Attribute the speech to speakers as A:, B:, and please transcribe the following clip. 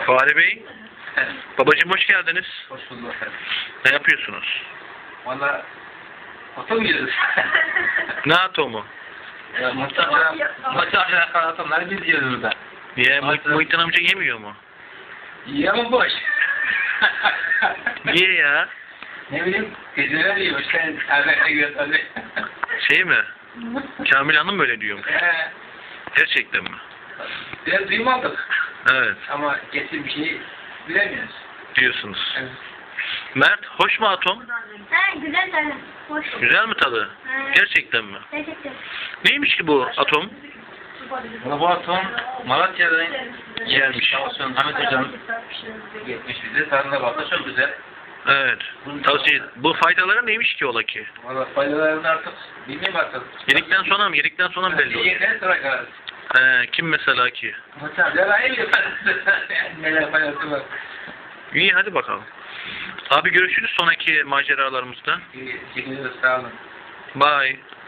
A: Fahri Bey, babacığım hoş geldiniz.
B: Hoş bulduk efendim.
A: Ne yapıyorsunuz?
B: Valla atom yiyoruz.
A: Ne atomu?
B: Muhtemelen atomları biz yiyoruz burada.
A: Niye? Muhittin amca yemiyor mu?
B: İyi ama boş.
A: Niye ya?
B: Ne bileyim, geceler yiyor. Sen elbette gör tabii.
A: Şey mi? Kamil Hanım böyle diyormuş. Gerçekten mi?
B: Biraz duymadık.
A: Evet,
B: Ama kesin bir şey bilemiyoruz.
A: diyorsunuz.
B: Evet.
A: Mert, hoş mu atom?
C: Ha, güzel tadı. Hoş.
A: Güzel mi tadı?
C: Evet.
A: Gerçekten mi?
C: Gerçekten.
A: Neymiş ki bu atom?
B: Bu atom Malatya'dan
A: Gelmiş.
B: Sağ olsun Ahmet Hocam gitmiş bize. Tadına baktı çok güzel.
A: Evet. Tavsiye. Bu faydaları neymiş ki ola ki?
B: Valla faydalarını artık bilmiyorum artık.
A: Yedikten sonra mı? Yedikten sonra mı belli olur?
B: Yedikten sonra karar.
A: Kim mesela ki?
B: Hocam ya ben iyi neler faydası var.
A: İyi, hadi bakalım. Abi görüşürüz sonraki maceralarımızda.
B: İyi, çekiliyoruz sağ olun.
A: Bye.